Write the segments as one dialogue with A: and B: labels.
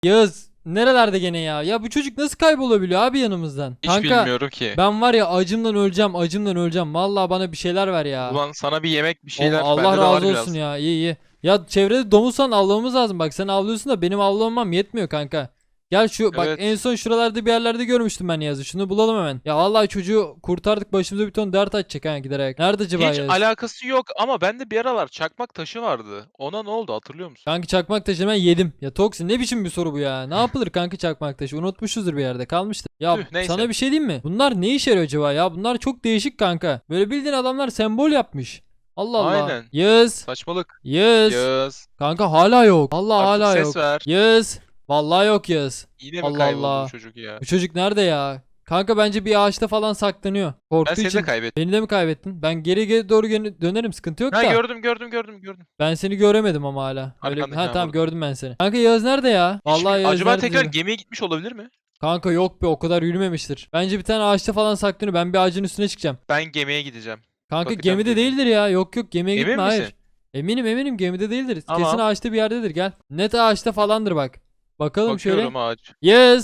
A: Yağız nerelerde gene ya? Ya bu çocuk nasıl kaybolabiliyor abi yanımızdan?
B: Hiç
A: Kanka
B: bilmiyorum ki.
A: ben var ya acımdan öleceğim, acımdan öleceğim. Vallahi bana bir şeyler ver ya.
B: Ulan sana bir yemek bir
A: Oh,
B: şeyler
A: Allah
B: bende de var
A: razı olsun
B: biraz.
A: ya. İyi iyi. Ya çevrede domuz falan avlamamız lazım. Bak sen avlıyorsun da benim avlamam yetmiyor kanka. Gel şu bak en
B: Evet.
A: son şuralarda bir yerlerde görmüştüm ben Yaz'ı. Şunu bulalım hemen. Ya vallahi çocuğu kurtardık, başımıza bir ton dert açacak ha giderek. Nerede acaba
B: Hiç
A: Yaz?
B: alakası yok ama bende bir aralar çakmak taşı vardı. Ona ne oldu hatırlıyor musun?
A: Kanka çakmak taşı ben yedim. Ya Toksi ne biçim bir soru bu ya? Ne yapılır kanka çakmak taşı? Unutmuşuzdur bir yerde kalmıştır. Ya
B: Tüh neyse.
A: sana bir şey diyeyim mi? Bunlar ne işe yarıyor acaba ya? Bunlar çok değişik kanka. Böyle bildiğin adamlar sembol yapmış. Allah Allah.
B: Aynen.
A: Yağız.
B: Saçmalık.
A: Yağız.
B: Yağız.
A: Kanka hala yok. Allah
B: Artık
A: hala
B: ses
A: yok.
B: ver.
A: Yağız. Vallahi yok Yağız.
B: Yine mi
A: Allah
B: kayboldu bu
A: Allah.
B: çocuk ya?
A: Bu çocuk nerede ya? Kanka bence bir ağaçta falan saklanıyor.
B: Ben
A: Korktuğu
B: seni de
A: için.
B: kaybettim.
A: Beni de mi kaybettin? Ben geri doğru dönerim, sıkıntı yok
B: Ha
A: da.
B: gördüm.
A: Ben seni göremedim ama hala. Öyle
B: Arkandaki
A: ha
B: ha
A: tamam
B: burada.
A: gördüm ben seni. Kanka Yağız nerede ya? Vallahi Yağız
B: Acaba
A: nerede
B: tekrar
A: diyorum.
B: gemiye gitmiş olabilir mi?
A: Kanka yok be o kadar yürümemiştir. Bence bir tane ağaçta falan saklanıyor. Ben bir ağacın üstüne çıkacağım.
B: Ben gemiye gideceğim.
A: Kanka
B: Bakacağım
A: gemide
B: gemiye.
A: değildir ya. Yok gemiye
B: Emin
A: gitme
B: misin?
A: hayır. Eminim gemide değildir. Kesin
B: Tamam.
A: ağaçta bir yerdedir gel. Net ağaçta falandır bak. Bakalım şöyle.
B: Bakıyorum ağaç.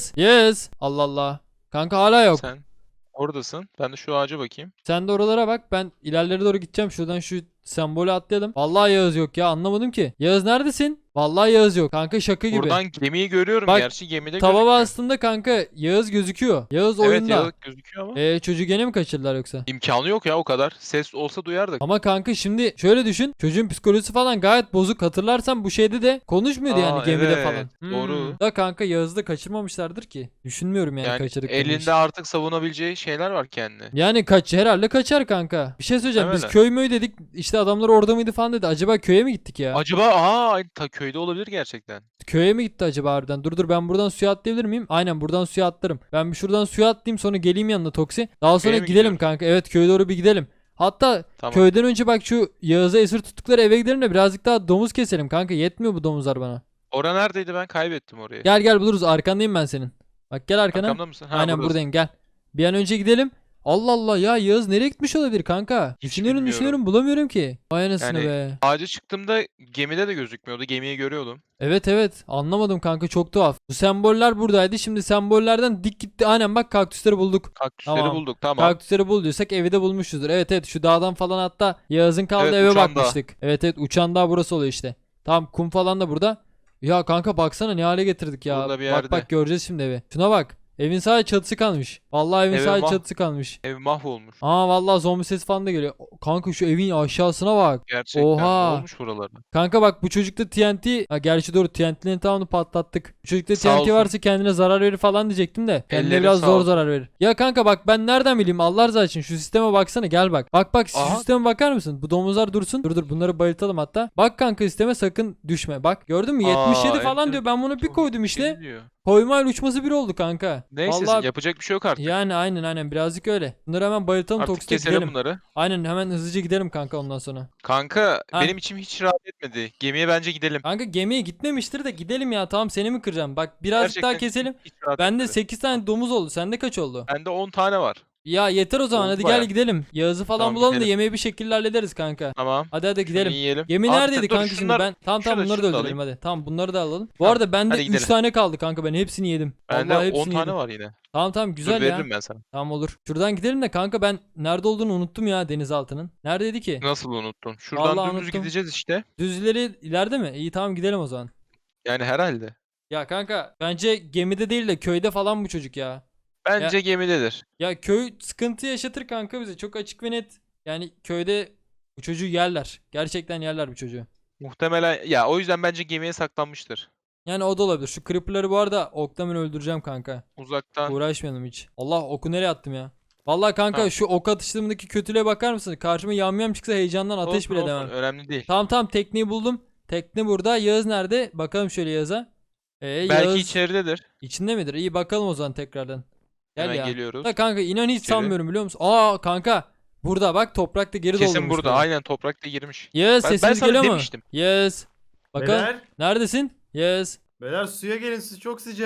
A: Yes. Allah Allah. Kanka hala yok.
B: Sen oradasın. Ben de şu ağaca bakayım.
A: Sen de oralara bak. Ben ilerlere doğru gideceğim. Şuradan şu sembolü atlayalım. Vallahi Yağız yok ya. Anlamadım ki. Yağız neredesin? Vallahi Yağız yok. Kanka şaka gibi.
B: Buradan gemiyi görüyorum
A: Bak,
B: gerçi gemide
A: Tava
B: gözükmüyor.
A: bastığında kanka Yağız gözüküyor. Yağız
B: Evet
A: oyunda.
B: ya gözüküyor ama.
A: Çocuğu gene mi kaçırdılar yoksa?
B: İmkanı yok ya o kadar. Ses olsa duyardık.
A: Ama kanka şimdi şöyle düşün. Çocuğun psikolojisi falan gayet bozuk. Hatırlarsan bu şeyde de konuşmuyordu yani
B: Aa
A: gemide
B: evet
A: falan.
B: doğru.
A: Da kanka Yağız'ı da kaçırmamışlardır ki. Düşünmüyorum yani
B: Yani
A: kaçırdıklarını hiç.
B: elinde artık savunabileceği şeyler var kendine.
A: Yani herhalde kaçar kanka. Bir şey söyleyeceğim. Biz
B: Muhtemelen.
A: köy müy dedik. İşte adamlar orada mıydı falan dedi. Acaba köye mi gittik ya?
B: Acaba aynı köyde olabilir gerçekten.
A: Köye mi gitti acaba harbiden? Dur ben buradan suya atlayabilir miyim? Aynen buradan suya atlarım. Ben bir şuradan suya atlayayım sonra geleyim yanına Toksi. Daha sonra
B: Köye mi
A: gidelim
B: gidiyoruz?
A: kanka. Evet köye doğru bir gidelim. Hatta
B: Tamam.
A: köyden önce bak şu Yağız'a esir tuttukları eve gidelim de birazcık daha domuz keselim kanka. Yetmiyor bu domuzlar bana.
B: Ora neredeydi ben kaybettim orayı.
A: Gel buluruz. Arkandayım ben senin. Bak gel arkana.
B: Arkamda mısın? Ha
A: Aynen
B: buradasın.
A: buradayım gel. Bir an önce gidelim. Allah Allah ya Yağız nereye gitmiş olabilir kanka?
B: Hiç bilmiyorum.
A: Düşünüyorum bulamıyorum ki. Vay anasını
B: Yani
A: be.
B: ağaca çıktığımda gemide de gözükmüyordu. Gemiyi görüyordum.
A: Evet anlamadım kanka çok tuhaf. Bu semboller buradaydı. Şimdi sembollerden dik gitti. Aynen bak kaktüsleri bulduk.
B: Kaktüsleri
A: Tamam.
B: bulduk tamam.
A: Kaktüsleri bulduysak evi de bulmuşuzdur. Evet şu dağdan falan hatta Yağız'ın kaldığı
B: Evet,
A: eve
B: uçan dağ.
A: bakmıştık. Evet uçan dağ burası oluyor işte. Tamam kum falan da burada. Ya kanka baksana ne hale getirdik ya.
B: Burada bir
A: Bak
B: yerde.
A: göreceğiz şimdi evi. Şuna bak. Evin sadece çatısı kalmış. Vallahi evin
B: Eve
A: sadece çatısı kalmış.
B: Ev mahvolmuş.
A: Aa vallahi zombi sesi falan da geliyor. Kanka şu evin aşağısına bak.
B: Gerçekten.
A: Oha.
B: Ne olmuş buralara?
A: Kanka bak bu çocukta TNT. Ha gerçi doğru TNT'lerin tamamını patlattık. Bu çocukta
B: Sağ
A: TNT
B: olsun.
A: varsa kendine zarar verir falan diyecektim de. Kendine
B: Elleri
A: biraz
B: sağ
A: zor
B: olsun.
A: zarar verir. Ya kanka bak ben nereden bileyim Allah razı için şu sisteme baksana gel bak. Bak şu
B: Aha.
A: sisteme bakar mısın? Bu domuzlar dursun. Dur bunları bayıltalım hatta. Bak kanka sisteme sakın düşme. Bak gördün mü 77 falan diyor. Ben bunu bir koydum işte.
B: Diyor.
A: Koymayla uçması bir oldu kanka.
B: Neyse
A: Vallahi
B: yapacak bir şey yok artık.
A: yani aynen birazcık öyle. Bunları hemen bayıltalım
B: Artık
A: Toksit'e
B: keselim
A: gidelim.
B: bunları.
A: Aynen hemen hızlıca gidelim kanka ondan sonra.
B: Kanka
A: Ha.
B: benim içim hiç rahat etmedi. Gemiye bence gidelim.
A: Kanka gemiye gitmemiştir de gidelim ya tamam seni mi kıracağım? Bak birazcık daha
B: Gerçekten
A: keselim.
B: hiç rahat
A: Bende
B: etmedi.
A: 8 tane domuz oldu. Sende kaç oldu?
B: Bende 10 tane var.
A: Ya yeter o zaman
B: Oldu
A: hadi
B: bayağı.
A: gel gidelim. Yağız'ı falan
B: Tamam,
A: bulalım da
B: gidelim.
A: yemeği bir şekilde hallederiz kanka.
B: Tamam.
A: Hadi
B: Şunu
A: gidelim.
B: yiyelim.
A: Gemi
B: Abi,
A: neredeydi
B: dur,
A: kanka şimdi
B: şunlar-
A: ben? Tamam
B: şunu
A: bunları da
B: da
A: öldürelim
B: alayım.
A: hadi. Tamam bunları da alalım. Bu
B: Tamam,
A: arada bende
B: hadi
A: 3
B: gidelim.
A: tane kaldı kanka ben hepsini yedim.
B: Bende
A: Vallahi
B: 10
A: hepsini
B: tane
A: yedim.
B: var yine.
A: Tamam
B: Dur
A: güzel ya.
B: veririm ben sana.
A: Tamam olur. Şuradan gidelim de kanka ben nerede olduğunu unuttum ya denizaltının. Neredeydi ki?
B: Nasıl unuttun? Şuradan
A: Vallahi
B: dümdüz
A: unuttum.
B: gideceğiz işte.
A: Düz ileri ileride mi? İyi tamam gidelim o zaman.
B: Yani herhalde.
A: Ya kanka bence gemide değil de köyde falan bu çocuk ya.
B: Bence gemidedir.
A: Ya köy sıkıntı yaşatır kanka bize. Çok açık ve net. Yani köyde bu çocuğu yerler. Gerçekten yerler bu çocuğu.
B: Muhtemelen ya o yüzden bence gemiye saklanmıştır.
A: Yani o da olabilir. Şu creeper'ları bu arada okla ben öldüreceğim kanka.
B: Uzaktan.
A: Uğraşmayalım hiç. Allah oku nereye attım ya? Vallahi kanka
B: Tamam.
A: şu ok atışlarımdaki kötülüğe bakar mısın? Karşıma yamyam çıksa heyecandan ateş
B: Olsun,
A: bile
B: olsun,
A: demem.
B: önemli değil.
A: Tamam tekneyi buldum. Tekne burada. Yağız nerede? Bakalım şöyle Yağız'a.
B: Belki
A: Yağız
B: içeridedir.
A: içinde midir? İyi bakalım o zaman tekrardan. Gel
B: Hemen
A: ya.
B: geliyoruz.
A: Da kanka inan hiç
B: İçeri.
A: sanmıyorum biliyor musun? Aa kanka. Burada bak toprakta geri
B: Kesin
A: doldurmuş
B: burada.
A: böyle.
B: Aynen toprakta girmiş.
A: Yes
B: Ben
A: sesimiz
B: sana
A: geliyor mu?
B: demiştim.
A: Yes. Bakalım.
C: Beyler,
A: Neredesin? Yes.
C: beyler suya gelin siz çok sıcak.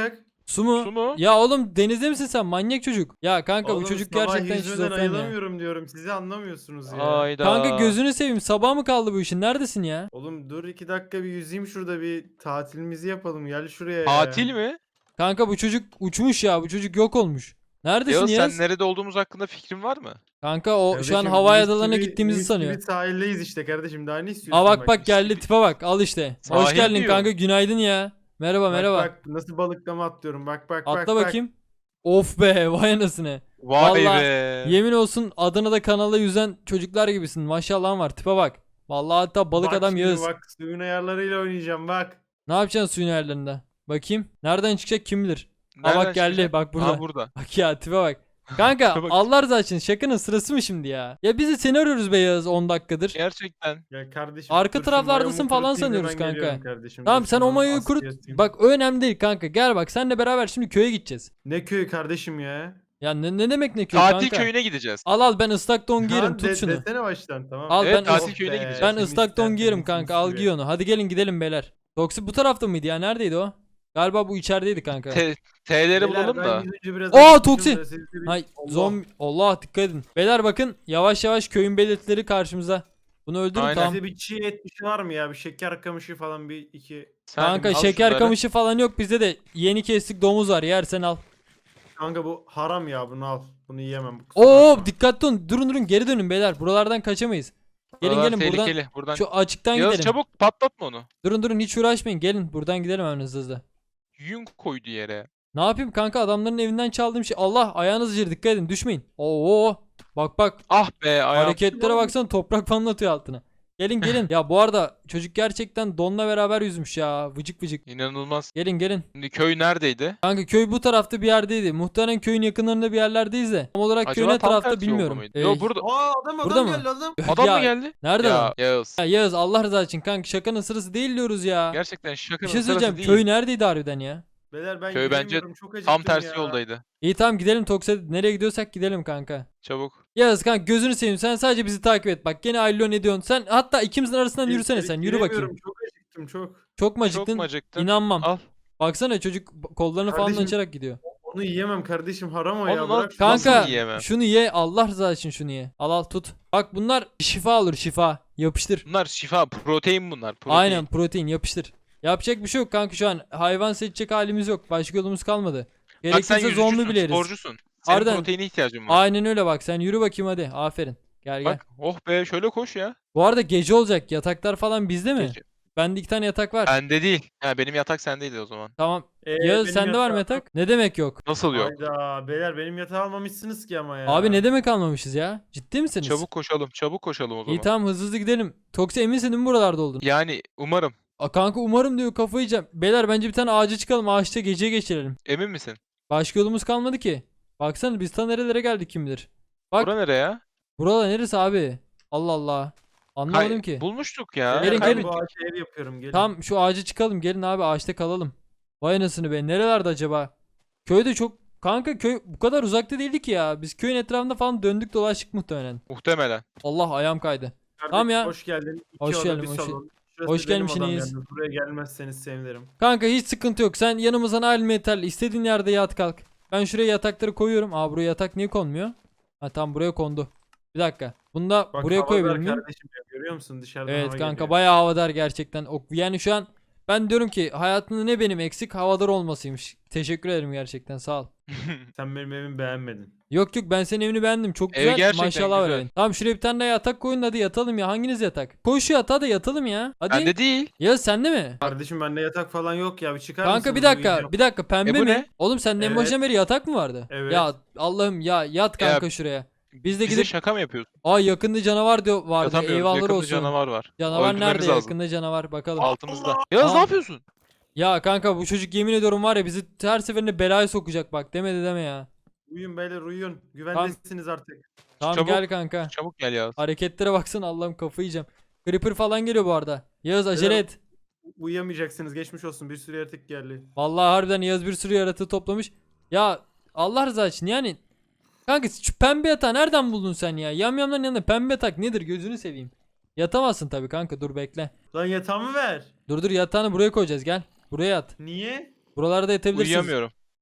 A: Su mu?
B: Su mu?
A: Ya oğlum denizde misin sen manyak çocuk? Ya kanka bu
C: Oğlum,
A: çocuk
C: sabah
A: gerçekten
C: yüzmeden
A: şizofren ya.
C: ayılamıyorum diyorum. Sizi anlamıyorsunuz ya.
B: Ayda.
A: Kanka gözünü seveyim sabah mı kaldı bu işin neredesin ya?
C: Oğlum dur 2 dakika bir yüzeyim şurada, bir tatilimizi yapalım. Gel şuraya ya.
B: Tatil mi?
A: Kanka bu çocuk uçmuş ya bu çocuk yok olmuş. Neredesin
B: Yağız
A: Yağız?
B: sen nerede olduğumuz hakkında fikrin var mı?
A: Kanka o şu an
C: Kardeşim,
A: Hawaii
C: mis
A: adalarına
C: gibi-
A: gittiğimizi
C: mis
A: sanıyor.
C: gibi sahildeyiz işte kardeşim, daha ne istiyorsun?
A: Aa bak
C: mis
A: geldi
C: gibi-
A: tipe bak al işte. Hoş
B: Sahil
A: geldin
B: diyor.
A: kanka günaydın ya. Merhaba
C: Bak,
A: merhaba.
C: Bak nasıl balıklama atlıyorum, bak bak bak.
A: Atla
C: bak.
A: bakayım. Of be vay anasını.
B: Vay
A: Vallahi
B: be.
A: Yemin olsun Adana'da kanalda yüzen çocuklar gibisin. Maşallahın var tipe bak. Vallahi hatta balık
C: Bak
A: adam
C: şimdi
A: Yağız.
C: Bak suyun ayarlarıyla oynayacağım bak.
A: Ne yapacaksın suyun ayarlarında? Bakayım. Nereden çıkacak kim bilir. Aa
B: Nereden
A: bak geldi
B: çıkacak?
A: bak burada.
B: Ha burada.
A: Bak ya tipe bak. Kanka
B: Tipe bak.
A: Allah razı olsun şakanın sırası mı şimdi ya? Ya bizi seni arıyoruz be Yağız 10 dakikadır.
B: Gerçekten.
C: Ya kardeşim.
A: Arka
C: dur şu
A: taraflardasın
C: mayomu
A: falan
C: kurutayım,
A: sanıyoruz
C: hemen
A: kanka.
C: geliyorum kardeşim.
A: Tamam
C: Dur
A: sen o
C: şunu
A: mayoyu
C: askıya
A: kurut.
C: asayım.
A: Bak o önemli değil kanka. Gel bak senle beraber şimdi köye gideceğiz.
C: Ne köyü kardeşim ya?
A: Ya ne demek ne köy
B: Tatil
A: kanka?
B: köyüne gideceğiz.
A: Al ben ıslak don giyerim
C: Lan
A: tut şunu.
C: Desene baştan, tamam.
A: Al
B: Evet,
A: ben
B: tatil
A: ıs-
B: köyüne gideceğiz.
A: ben
C: Temiz,
A: ıslak don
C: tertemiz,
A: giyerim
C: mis
A: kanka al
C: gibi.
A: giy onu. Hadi gelin gidelim beyler. Toksi bu tarafta mıydı ya? Neredeydi o? Galiba bu içerideydi kanka.
B: T'leri
C: Beyler,
B: bulalım
C: ben
B: da.
C: yüzünce biraz
A: Aa,
C: acıkmışım
A: Toksi.
C: da siz de bir-
A: Hay
C: Allah.
A: zombi Allah dikkat edin. Beyler bakın yavaş yavaş köyün belirtileri karşımıza. Bunu öldürün
B: Aynen.
A: tamam.
C: Sizde bir çiğ et bir şey var mı ya? Bir şeker kamışı falan, bir iki.
B: Sen
A: Kanka
B: al
A: şeker
B: şunları.
A: kamışı falan yok bizde de yeni kestik domuz var yersen al.
C: Kanka bu haram ya, bunu al. Bunu yiyemem. Bu kusura
A: Oo
C: bakma.
A: dikkatli olun durun geri dönün beyler buralardan kaçamayız. Gelin
B: Buralar
A: gelin buradan
B: tehlikeli. Buradan.
A: şu açıktan
B: Yağız
A: gidelim.
B: çabuk patlatma onu.
A: Durun hiç uğraşmayın gelin buradan gidelim hemen hızlı.
B: Yün koydu yere.
A: Ne yapayım kanka adamların evinden çaldığım şey. Allah ayağınız acır dikkat edin düşmeyin. Oo bak
B: Ah be ayağım.
A: hareketlere baksana toprak falan atıyor altına. Gelin. Ya bu arada çocuk gerçekten donla beraber yüzmüş ya. Vıcık vıcık.
B: İnanılmaz.
A: Gelin.
B: Şimdi köy neredeydi?
A: Kanka köy bu tarafta bir yerdeydi. Muhtemelen köyün yakınlarında bir yerlerdeyiz de. Tam olarak köyün
B: Acaba
A: ne
B: tam
A: tarafta
B: tersi yolda
A: bilmiyorum.
B: mıydı? Yo burada.
C: Aa adam
A: Burada mı?
C: geldi adam.
B: Adam
A: Ya,
B: mı geldi?
A: Nerede
B: Ya
A: lan?
B: Yağız.
A: Ya Yağız Allah rızası için kanka şakanın sırası değil diyoruz ya.
B: Gerçekten
A: Bir
B: şakanın
A: şey
B: sırası
A: söyleyeceğim.
B: değil.
A: Köy neredeydi harbiden ya?
C: Beyler ben
B: Köy bence
C: yürüyemiyorum, çok acıktım
B: Tam tersi
C: ya.
B: yoldaydı.
A: İyi tamam gidelim Toksa. Nereye gidiyorsak gidelim kanka.
B: Çabuk.
A: Yağız kanka gözünü seveyim sen sadece bizi takip et. Bak gene Aylon ne diyorsun? Sen hatta ikimizin arasından yürüsene sen. Yürü bakayım.
C: Yürüyemiyorum, çok acıktım çok.
A: Çok mu
B: Çok
A: acıktın?
B: mu acıktın?
A: İnanmam.
B: Al.
A: Baksana çocuk kollarını falan
C: Kardeşim,
A: açarak gidiyor.
C: Onu yiyemem kardeşim, haram o
B: Onu
C: ya.
B: nasıl-
C: Bırak şunu.
A: Kanka
B: Nasıl yiyemem?
A: şunu ye Allah rızası için şunu ye. Al tut. Bak bunlar şifa olur şifa. Yapıştır.
B: Bunlar şifa, protein bunlar. Protein.
A: Aynen protein yapıştır. Yapacak bir şey yok kanka şu an. Hayvan seçecek halimiz yok. Başka yolumuz kalmadı.
B: Bak sen
A: Gerekirse zombi
B: yüzücüsün,
A: bile yeriz.
B: sporcusun. Senin
A: Harbiden.
B: proteine ihtiyacın var.
A: Aynen öyle bak sen yürü bakayım hadi. Aferin. Gel.
B: Bak oh be şöyle koş ya.
A: Bu arada gece olacak. Yataklar falan bizde mi?
B: Gece.
A: Bende 2 tane yatak var.
B: Bende değil. Ha benim yatak sendeydi o zaman.
A: Tamam. Yağız
C: benim
A: sende var mı
C: yatağım-
A: yatak? Ne demek yok?
B: Nasıl yok?
C: Hayda beyler, benim yatağı almamışsınız ki ama ya.
A: Abi ne demek almamışız ya? Ciddi misiniz?
B: Çabuk koşalım o zaman.
A: İyi tamam hızlı gidelim. Toksi eminsin değil mi buralarda oldun?
B: Yani umarım.
A: Kanka umarım diyor kafayı yiyeceğim. Beyler bence bir tane ağaca çıkalım ağaçta gece geçirelim.
B: Emin misin?
A: Başka yolumuz kalmadı ki. Baksana biz ta nerelere geldik kim bilir. Bak
B: Bura nereye ya?
A: buralar neresi abi? Allah Allah. Anlamadım ki.
B: Bulmuştuk ya.
C: Beyler,
A: Gelin,
C: ben
A: gelin.
C: bu ağaçta ev yapıyorum, gelin.
A: Tam şu ağaca çıkalım gelin abi ağaçta kalalım. Vay anasını be nerelerde acaba? Köyde çok kanka köy bu kadar uzakta değildi ki ya. Biz köyün etrafında falan döndük dolaştık muhtemelen.
B: Muhtemelen.
A: Allah ayağım kaydı.
C: Kardeşim,
A: Tamam ya.
C: Hoş geldin. İki
A: Hoş
C: oda,
A: geldin,
C: bir
A: hoş
C: salon. Şurası
A: hoş
C: benim
A: gelmişsiniz.
C: odam yalnız. Buraya gelmezseniz sevinirim.
A: Kanka hiç sıkıntı yok. Sen yanımızdan al metal istediğin yerde yat kalk. Ben şuraya yatakları koyuyorum. Aa buraya yatak niye konmuyor? Ha tam buraya kondu. Bir dakika. Bunu da
C: Bak,
A: buraya
C: hava
A: koyabilir
C: ver
A: miyim?
C: kardeşim ya, görüyor musun dışarıdan
A: Evet
C: hava
A: kanka
C: geliyor.
A: bayağı havadar gerçekten. Yani şu an ben diyorum ki hayatımda ne benim eksik havadar olmasıymış. Teşekkür ederim gerçekten sağ ol.
C: Sen benim evimi beğenmedin.
A: Yok ben senin evini beğendim. Çok
B: Ev
A: güzel.
B: gerçekten
A: Maşallah var
B: güzel.
A: evin. Tamam şuraya bir tane daha yatak koyun hadi yatalım ya. Hanginiz yatak? Koy şu yatağa da yatalım ya. Hadi.
B: Bende değil.
A: Ya sende mi?
C: Kardeşim bende yatak falan yok ya, bir çıkar
A: Kanka
C: mısınız?
A: bir dakika
C: Uyuyacağım.
A: bir dakika pembe
B: bu
A: mi?
B: ne?
A: Oğlum senin en
C: Evet.
A: başından beri yatak mı vardı?
C: Evet.
A: Ya Allah'ım ya yat kanka şuraya. Biz de
B: Bize
A: gidip
B: şaka mı yapıyorsun?
A: yakında canavar diyor vardı.
B: Yatamıyoruz.
A: Eyvallah
B: Yakında
A: olsun.
B: canavar var.
A: Canavar
B: Öldürmemiz
A: nerede?
B: lazım.
A: Yakında canavar bakalım.
B: Altımızda. Yağız
A: Aa.
B: ne yapıyorsun?
A: Ya kanka bu çocuk yemin ediyorum var ya bizi her seferinde belaya sokacak bak demedi deme ya.
C: Uyuyun beyler, uyuyun. Güvendesiniz artık.
A: Tamam
B: Çabuk.
A: gel kanka.
B: Çabuk gel Yağız.
A: Hareketlere baksana Allah'ım kafayı yiyeceğim. Creeper falan geliyor bu arada. Yağız acele
C: Beyler-
A: et.
C: Uyuyamayacaksınız, geçmiş olsun, bir sürü yaratık geldi.
A: Vallahi harbiden Yağız bir sürü yaratığı toplamış. Ya Allah rızası için yani. Kanka şu pembe yatağı nereden buldun sen ya? Yamyamların yanında pembe yatak nedir gözünü seveyim. Yatamazsın tabii kanka dur bekle.
C: Lan yatağımı ver.
A: Dur yatağını buraya koyacağız gel. Buraya yat.
C: Niye?
A: Buralarda yatabilirsin.
B: Uyuyamıyorum.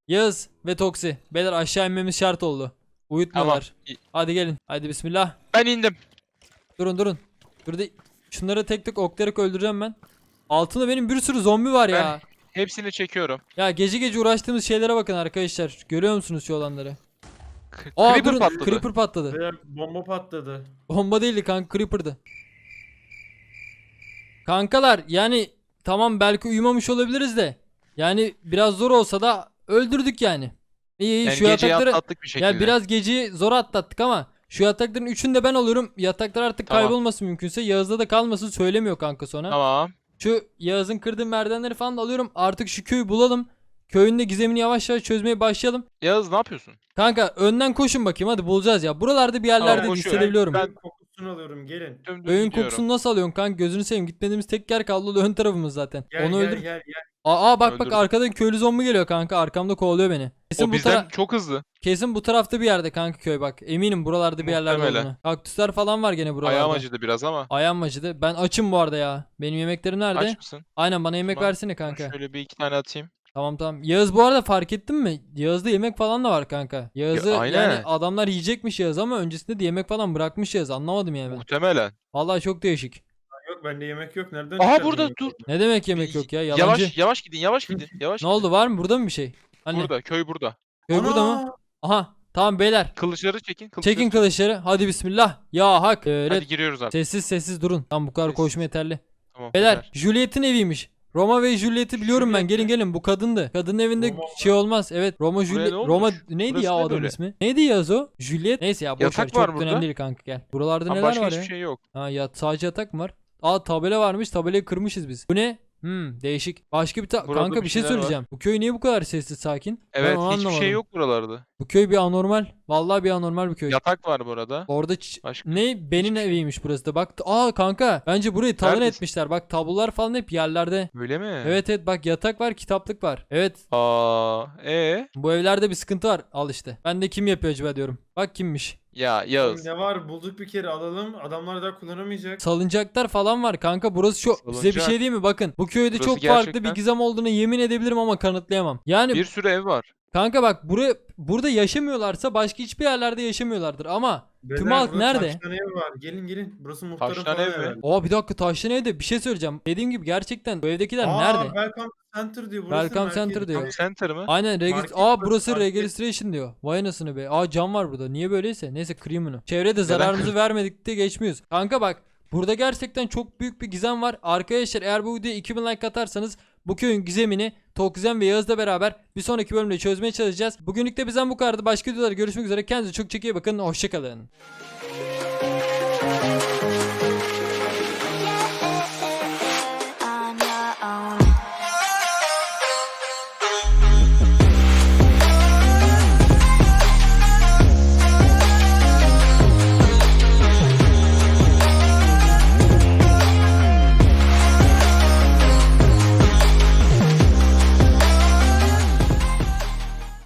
A: Yağız ve Toksi. Beyler aşağı inmemiz şart oldu. Uyutmuyorlar.
B: İ-
A: Hadi gelin. Hadi bismillah.
B: Ben indim.
A: Durun. Burada şunları tek tek oklayarak öldüreceğim ben. Altında benim bir sürü zombi var ya.
B: Hepsini çekiyorum.
A: Ya gece uğraştığımız şeylere bakın arkadaşlar. Görüyor musunuz şu olanları?
B: Creeper
A: durun,
B: patladı.
A: Creeper patladı.
C: Beyler bomba patladı.
A: Bomba değildi kanka, Creeper'dı. Kankalar yani tamam belki uyumamış olabiliriz de. Yani biraz zor olsa da öldürdük yani. İyi
B: Yani
A: şu
B: geceyi
A: yatakları.
B: atlattık bir şekilde.
A: Ya biraz geceyi zor atlattık ama şu yatakların üçünü de ben alıyorum. Yataklar artık
B: Tamam.
A: kaybolmasın mümkünse. Yağız'da da kalmasın, söylemiyor kanka sonra.
B: Tamam.
A: Şu Yağız'ın kırdığı merdivenleri falan da alıyorum. Artık şu köyü bulalım. Köyün de gizemini yavaş yavaş çözmeye başlayalım.
B: Yağız ne yapıyorsun?
A: Kanka önden koşun bakayım, hadi bulacağız ya. Buralarda bir yerlerde
B: Tamam, koşuyorum.
A: hissedebiliyorum.
B: Ben-
C: Kokusunu alıyorum gelin.
B: Dümdüz
A: Köyün
B: gidiyorum.
A: kokusunu nasıl alıyorsun kanka, gözünü seveyim. Gitmediğimiz tek yer kaldı, o da ön tarafımız zaten.
C: Gel
A: Onu
C: gel,
A: öldür.
C: gel.
A: Aa bak
B: Öldürdüm.
A: arkadan köylü zombi geliyor kanka, arkamda kovalıyor beni. Kesin
B: O
A: bu
B: bizden çok hızlı.
A: kesin bu tarafta bir yerde kanka köy bak. Eminim buralarda bir yerlerde
B: Muhtemelen.
A: olduğunu. Kaktüsler falan var gene buralarda.
B: Ayağım acıdı biraz ama.
A: Ayağım acıdı. Ben açım bu arada ya. Benim yemeklerim nerede?
B: Aç mısın?
A: Aynen, bana yemek
B: Tamam.
A: versene kanka.
B: Şöyle bir iki tane atayım.
A: Tamam. Yağız bu arada fark ettin mi? Yağız'da yemek falan da var kanka. Yağız'ı
B: aynen.
A: yani adamlar yiyecekmiş Yağız ama öncesinde de yemek falan bırakmış Yağız. Anlamadım yani ben.
B: Muhtemelen.
A: Vallahi çok değişik.
C: Yok bende yemek yok. Nereden
B: Aha
C: çıkardın
B: burada
C: yemek?
B: dur.
A: Ne demek yemek yok ya? Yalancı.
B: Yavaş gidin. Yavaş
A: Ne oldu, var mı burada mı bir şey? Hani
B: Burada. Köy burada.
A: köy burada mı?
C: Ana!
A: Aha tamam beyler.
B: Kılıçları çekin.
A: Çekin kılıçları. Hadi bismillah. Ya hak.
B: Hadi giriyoruz artık.
A: Sessiz durun. Tamam, bu kadar
B: Sessiz.
A: koşma yeterli.
B: Tamam.
A: Beyler
B: yeter.
A: Juliet'in eviymiş. Roma ve Juliet'i biliyorum ben.
C: Juliet mi?
A: Gelin bu kadındı. Kadının evinde
C: Roma mı?
A: şey olmaz. Evet, Roma Juliet.
B: ne olmuş?
A: Roma neydi
B: Burası
A: ya
B: ne
A: o adamın
B: böyle?
A: ismi? Neydi Yaz o? Juliet. Neyse ya boş ver,
B: Yatak
A: çok
B: var
A: da
B: burada.
A: önemli değil kanka, gel. Buralarda
B: Ama
A: neler
B: başka
A: var
B: hiçbir
A: ya?
B: şey yok.
A: Ha ya, sadece yatak mı var? Aa, tabela varmış. Tabelayı kırmışız biz. Bu ne? Değişik. Başka bir
B: Burada
A: kanka
B: bir
A: bir şey
B: şeyler var.
A: söyleyeceğim. Bu köy niye bu kadar sessiz sakin? Ben
B: Evet,
A: onu
B: hiçbir
A: anlamadım.
B: şey yok buralarda.
A: Bu köy bir anormal. Vallahi bir anormal bir köy.
B: Yatak var burada.
A: Orada
B: Başka
A: ne benim
B: hiçbir şey
A: eviymiş burası da. Bak kanka bence burayı talan
B: Neredesin?
A: etmişler. Bak tablolar falan hep yerlerde.
B: Öyle mi?
A: Evet bak, yatak var, kitaplık var. Evet,
B: Aa,
A: bu evlerde bir sıkıntı var. Al işte. Ben de kim yapıyor acaba diyorum. Bak kimmiş.
B: ya Yağız.
C: Ne var bulduk bir kere alalım. Adamlar daha kullanamayacak.
A: Salıncaklar falan var kanka. Burası çok, size bir
B: Salıncak.
A: şey diyeyim mi? Bakın bu köyde
B: Burası
A: çok farklı bir
B: gerçekten-
A: gizem olduğunu yemin edebilirim ama kanıtlayamam. Yani
B: Bir sürü ev var.
A: kanka bak, burada yaşamıyorlarsa başka hiçbir yerlerde yaşamıyorlardır ama tüm
C: Beyler,
A: halk
C: burada
A: nerede?
C: taştan ev var. Gelin. Burası muhtarın
B: Taştan
C: falan
B: ev mi?
C: herhalde.
A: Aa bir dakika, taşlı evde bir şey söyleyeceğim. Dediğim gibi gerçekten bu evdekiler nerede?
C: Welcome Center diyor. Burası
A: Welcome
C: merkezi.
A: Center diyor.
B: Center mı?
A: Aynen
C: Market
A: burası
C: market.
A: registration diyor. Vay anasını be. Aa, cam var burada. Niye böyleyse? Neyse, kırayım bunu. Çevrede zararımızı vermedik de geçmiyoruz. Kanka bak, burada gerçekten çok büyük bir gizem var. Arkadaşlar eğer bu videoya 2000 like atarsanız bu köyün gizemini Tokizem ve Yağız'la beraber bir sonraki bölümde çözmeye çalışacağız. Bugünlük de bizden bu kadardı. Başka videolarda görüşmek üzere. Kendinize çok iyi bakın. Hoşçakalın.